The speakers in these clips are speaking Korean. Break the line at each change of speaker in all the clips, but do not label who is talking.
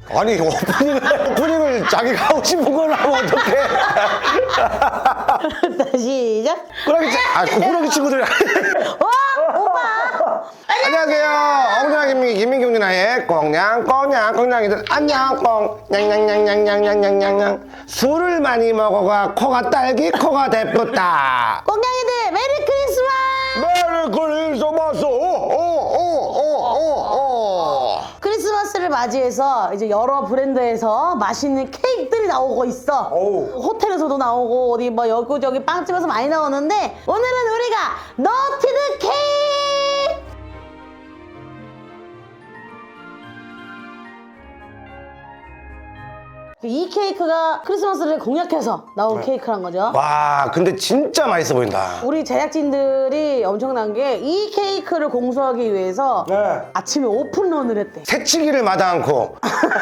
아니 오프닝을 자기가 하고 싶은 걸 하면 어떡해.
다시 시작.
꾸러기 친구들.
오빠.
안녕하세요. 엉뚱한 김민경 누나의 꽁냥이들 안녕 꽁냥냥냥냥냥냥냥. 술을 많이 먹어가 코가 딸기 코가 대쁘다.
꽁냥이들 메리 크리스마스. 크리스마스를 맞이해서 이제 여러 브랜드에서 맛있는 케이크들이 나오고 있어. 호텔에서도 나오고 어디 뭐 여기저기 빵집에서 많이 나오는데 오늘은 우리가 너티드 케이크. 이 케이크가 크리스마스를 공략해서 나온 케이크란 거죠.
와 근데 진짜 맛있어 보인다.
우리 제작진들이 엄청난 게 이 케이크를 공수하기 위해서 아침에 오픈런을 했대.
새치기를 마다 않고.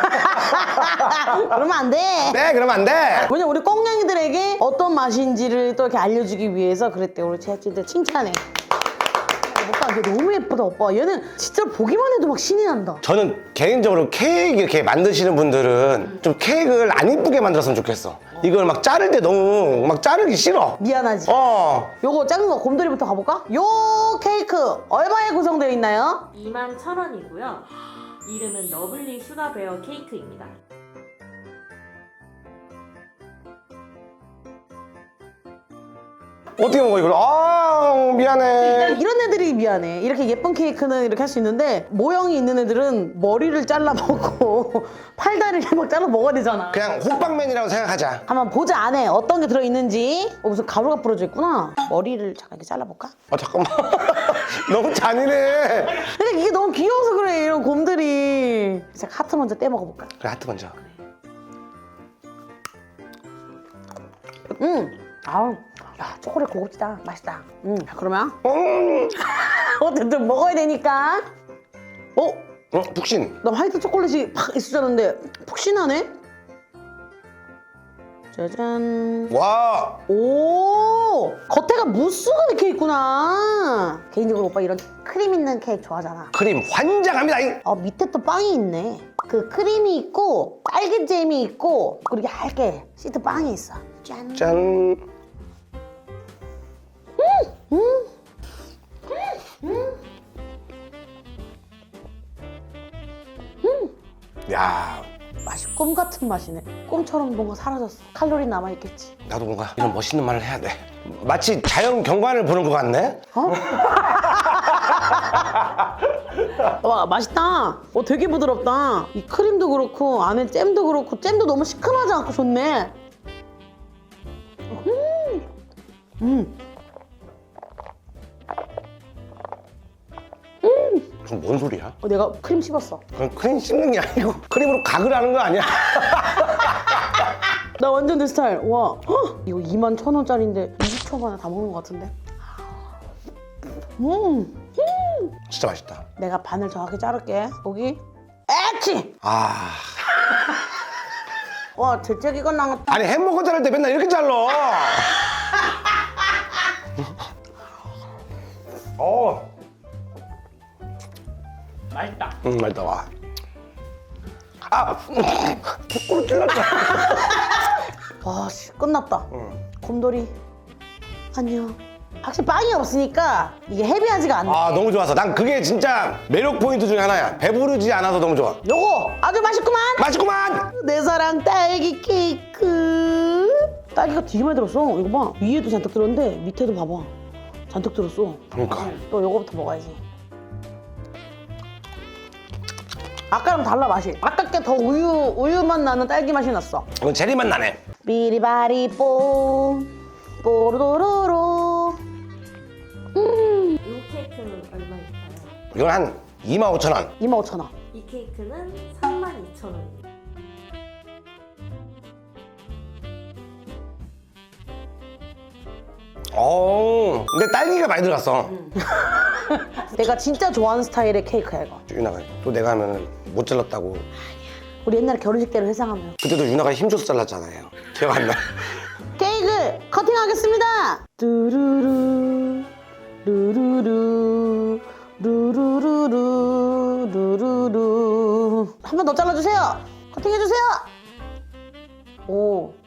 그러면 안 돼.
네 그러면 안 돼.
왜냐면 우리 꽁냥이들에게 어떤 맛인지를 또 이렇게 알려주기 위해서 그랬대. 우리 제작진들 칭찬해. 오빠 이게 너무 예쁘다 오빠. 얘는 진짜 보기만 해도 막 신이 난다.
저는 개인적으로 케이크 이렇게 만드시는 분들은 좀 케이크를 안 이쁘게 만들었으면 좋겠어. 이걸 막 자를 때 너무 막 자르기 싫어.
미안하지. 요거 작은 거 곰돌이부터 가볼까? 요 케이크 얼마에 구성되어 있나요?
21,000원이고요. 이름은 러블리 슈가베어 케이크입니다.
어떻게 먹어 이걸? 미안해.
이런 애들이 미안해. 이렇게 예쁜 케이크는 이렇게 할 수 있는데 모형이 있는 애들은 머리를 잘라 먹고 팔다리를 막 잘라 먹어야 되잖아.
그냥 호빵맨이라고 생각하자.
한번 보자 안에 어떤 게 들어있는지. 무슨 가루가 뿌려져 있구나. 머리를 잠깐 이렇게 잘라볼까?
잠깐만. 너무 잔인해.
근데 이게 너무 귀여워서 그래 이런 곰들이. 자, 하트 먼저 떼 먹어볼까?
그래 하트 먼저.
아우, 야 초콜릿 고급지다. 맛있다. 자, 그러면 어쨌든 먹어야 되니까.
북신.
나 화이트 초콜릿이 팍 있었는데 푹신하네? 짜잔.
와.
오, 겉에가 무스가 이렇게 있구나. 개인적으로 오빠 이런 크림 있는 케이크 좋아하잖아.
크림 환장합니다.
밑에 또 빵이 있네. 그 크림이 있고 딸기잼이 있고 그리고 얇게 시트 빵이 있어. 짠.
짠. 야,
맛이 꿈 같은 맛이네. 꿈처럼 뭔가 사라졌어. 칼로리 남아있겠지.
나도 뭔가 이런 멋있는 말을 해야 돼. 마치 자연 경관을 보는 것 같네.
와, 맛있다. 되게 부드럽다. 이 크림도 그렇고 안에 잼도 그렇고 잼도 너무 시큼하지 않고 좋네.
그럼 뭔 소리야?
내가 크림 씹었어.
그건 크림 씹는 게 아니고 크림으로 각을 하는 거 아니야?
나 완전 내 스타일. 와, 헉! 이거 21,000원짜리인데 20초 만에 다 먹는 것 같은데?
진짜 맛있다.
내가 반을 정확히 자를게. 여기. 에치! 와, 재채기가 나왔다.
아니 햄버거 자를 때 맨날 이렇게 잘라.
맛있다.
맛있다. 와. 코로 찔렀다.
와, 씨, 끝났다. 곰돌이, 안녕. 확실히 빵이 없으니까 이게 헤비하지가 않네.
너무 좋아서 난 그게 진짜 매력 포인트 중에 하나야. 배부르지 않아서 너무 좋아.
요거 아주 맛있구만.
맛있구만.
내 사랑 딸기 케이크. 딸기가 되게 많이 들었어. 이거 봐. 위에도 잔뜩 들었는데 밑에도 봐봐. 잔뜩 들었어.
그러니까.
또 요거부터 먹어야지. 아까랑 달라 맛이. 아까 게 더 우유 맛 나는 딸기 맛이 났어.
이건 제리 맛 나네.
삐리바리뽀 뽀로로로.
이 케이크는 얼마일까요?
이건 한 25,000원.
25,000원.
이 케이크는 32,000원입니다.
근데 딸기가 많이 들어갔어.
내가 진짜 좋아하는 스타일의 케이크야 이거.
유나가 또 내가 하면 못 잘랐다고.
우리 옛날에 결혼식 때를 회상하면.
그때도 유나가 힘줘서 잘랐잖아요. 기억 안 나?
케이크 커팅하겠습니다. 뚜루루 루루루 루루루루 루루루. 한 번 더 잘라주세요. 커팅. 토핑 해주세요. 오.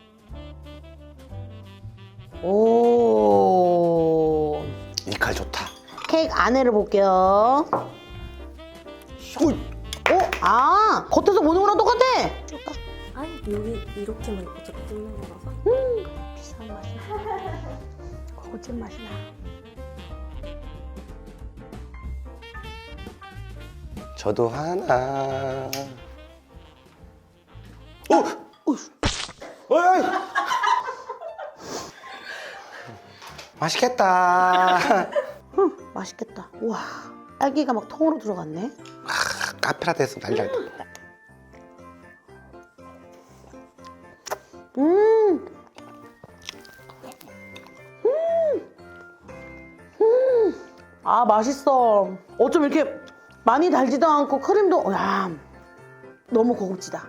오.
이 칼 좋다.
케이크 안에를 볼게요.
오,
아, 겉에서 보는 거랑 똑같아.
아니 여기 이렇게만 어차피 뜯는 거라서.
비싼 맛이야. 고급 맛이 나.
저도 하나. 오, 어이. 맛있겠다.
맛있겠다. 우와, 딸기가 막 통으로 들어갔네.
카페라떼 했으면 난리 날 뻔.
아, 맛있어. 어쩜 이렇게 많이 달지도 않고 크림도, 야, 너무 고급지다.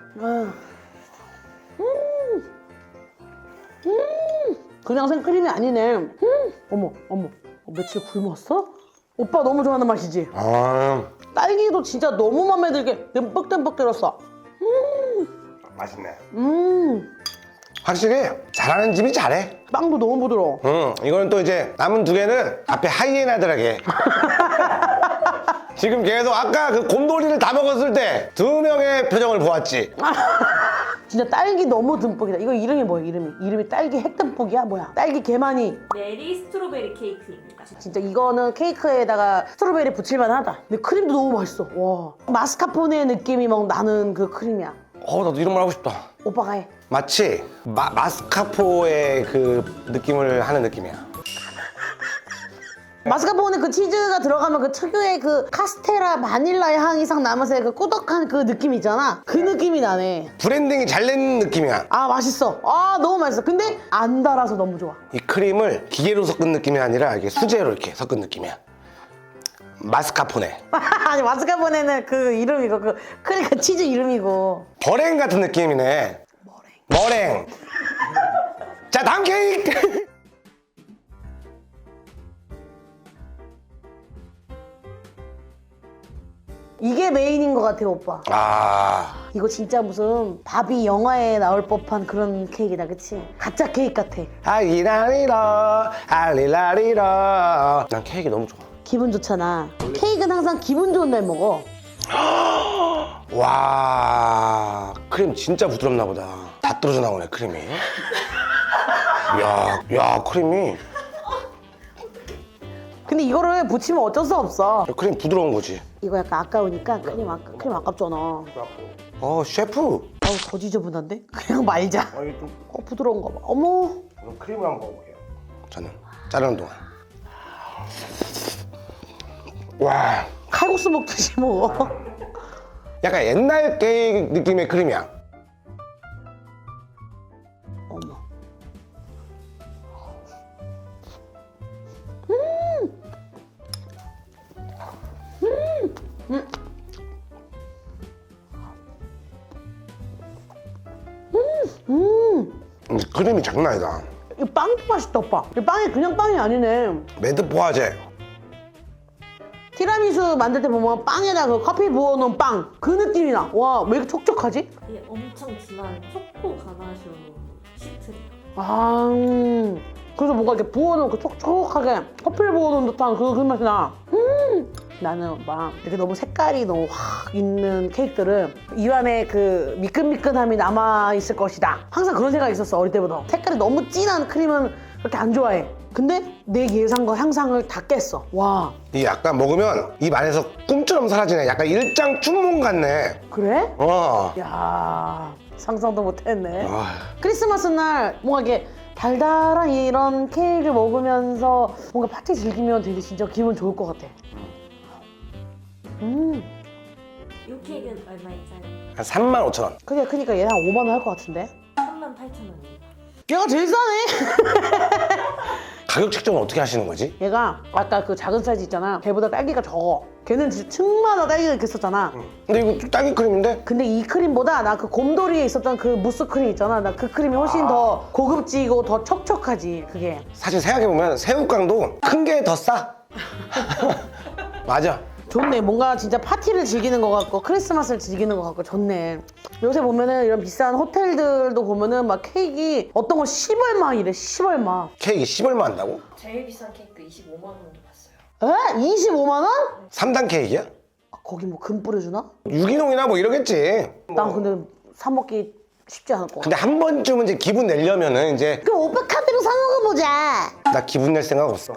그냥 생크림이 아니네. 어머, 어머, 며칠 굶었어? 오빠 너무 좋아하는 맛이지?
아,
딸기도 진짜 너무 맘에 들게 듬뿍듬뿍 들었어.
맛있네.
음,
확실히 잘하는 집이 잘해.
빵도 너무 부드러워.
이거는 또 이제 남은 두 개는 앞에 하이에나들에게. 지금 계속 아까 그 곰돌이를 다 먹었을 때 두 명의 표정을 보았지.
진짜 딸기 너무 듬뿍이다. 이거 이름이 뭐야, 이름이? 이름이 딸기 핵듬뿍이야? 뭐야? 딸기 개만이.
메리 스트로베리 케이크입니다.
진짜 이거는 케이크에다가 스트로베리 붙일만 하다. 근데 크림도 너무 맛있어. 와. 마스카포네 느낌이 막 나는 그 크림이야.
나도 이런 말 하고 싶다.
오빠가 해.
마치 마스카포의 그 느낌을 하는 느낌이야.
마스카포네 그 치즈가 들어가면 그 특유의 그 카스테라 바닐라의 향이 싹 나면서 그 꾸덕한 그 느낌 있잖아. 그 느낌이 나네.
브랜딩이 잘 된 느낌이야.
아, 맛있어. 아, 너무 맛있어. 근데 안 달아서 너무 좋아.
이 크림을 기계로 섞은 느낌이 아니라 이게 수제로 이렇게 섞은 느낌이야. 마스카포네.
아니, 마스카포네는 그 이름이고 그 크림 그 치즈 이름이고.
버랭 같은 느낌이네. 머랭. 자, 다음 케이크.
이게 메인인 것 같아, 오빠.
아,
이거 진짜 무슨 바비 영화에 나올 법한 그런 케이크다, 그치? 가짜 케이크 같아.
알리라리로 알리라리로. 난 케이크 너무 좋아.
기분 좋잖아. 케이크는 항상 기분 좋은 날 먹어.
와, 크림 진짜 부드럽나 보다. 다 떨어져 나오네, 크림이. 야, 크림이.
근데 이거를 붙이면 어쩔 수 없어.
크림 부드러운 거지.
이거 약간 아까우니까 크림 아깝잖아.
셰프.
더 지저분한데? 그냥 말자. 부드러운가 봐. 어머.
크림을 한번 먹어볼게요. 저는 자르는 동안. 와,
칼국수 먹듯이 먹어.
약간 옛날 케이크 느낌의 크림이야.
어머.
크림이 장난 아니다.
이 빵도 맛있다, 오빠. 이 빵이 그냥 빵이 아니네.
매드포화제.
티라미수 만들 때 보면 빵에다 그 커피 부어놓은 빵. 그 느낌이 나. 와, 왜 이렇게 촉촉하지?
이게 엄청 진한 초코 가나슈 시트래요.
아, 그래서 뭔가 이렇게 부어놓은 그 촉촉하게 커피를 부어놓은 듯한 그 맛이 나. 나는 막 이렇게 너무 색깔이 너무 확 있는 케이크들은 입안에 그 미끈미끈함이 남아있을 것이다. 항상 그런 생각이 있었어, 어릴 때부터. 색깔이 너무 진한 크림은 그렇게 안 좋아해. 근데 내 예상과 향상을 다 깼어. 와.
이 약간 먹으면 입 안에서 꿈처럼 사라지네. 약간 일장 춘몽 같네.
그래?
어.
야, 상상도 못했네.
아,
크리스마스 날 뭔가 이렇게 달달한 이런 케이크 먹으면서 뭔가 파티 즐기면 되게 진짜 기분 좋을 것 같아.
이 케이크는 얼마일까요?
한 35,000원.
그게 크니까 얘는 한 5만 원 할 것 같은데?
38,000원입니다.
얘가 제일 싸네.
가격 책정은 어떻게 하시는 거지?
얘가 아까 그 작은 사이즈 있잖아. 걔보다 딸기가 적어. 걔는 진짜 층마다 딸기가 이렇게 있었잖아.
근데 이거 딸기 크림인데?
근데 이 크림보다 나 그 곰돌이에 있었던 그 무스 크림 있잖아. 나 그 크림이 훨씬 더 고급지고 더 촉촉하지, 그게.
사실 생각해보면 새우깡도 큰 게 더 싸. 맞아.
좋네. 뭔가 진짜 파티를 즐기는 것 같고 크리스마스를 즐기는 것 같고 좋네. 요새 보면은 이런 비싼 호텔들도 보면은 막 케이크 어떤 거 10얼마 이래. 10얼마.
케이크 10얼마 한다고?
제일 비싼 케이크 25만 원도 봤어요.
에? 25만 원?
3단 케이크야?
아, 거기 뭐 금 뿌려주나?
유기농이나 뭐 이러겠지.
난 근데 사 먹기 쉽지 않을 것 같아.
근데 한 번쯤은 이제 기분 내려면은 이제
그럼 오빠 카드로 사 먹어보자.
나 기분 낼 생각 없어.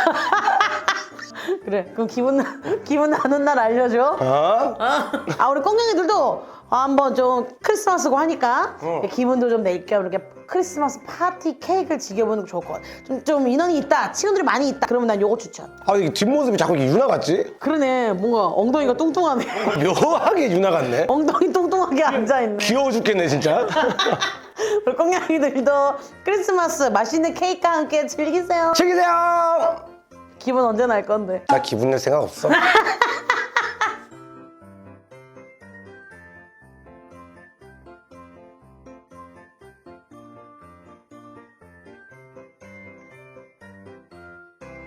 그래. 그럼 기분 나는 날 알려줘.
어?
아 우리 꽁냥이들도 한번 좀 크리스마스고 하니까 기분도 좀 낼 겸 이렇게 크리스마스 파티 케이크를 즐겨보는 게 좋을 것 같아. 좀 인원이 있다, 친구들이 많이 있다. 그러면 난 요거 추천.
아, 이게 뒷모습이 자꾸 이게 유나 같지?
그러네. 뭔가 엉덩이가 뚱뚱하네.
묘하게 유나 같네.
엉덩이 뚱뚱하게 앉아있네.
귀여워 죽겠네, 진짜.
우리 꽁냥이들도 크리스마스 맛있는 케이크와 함께 즐기세요.
즐기세요!
기분 언제 날 건데?
나 기분 낼 생각 없어.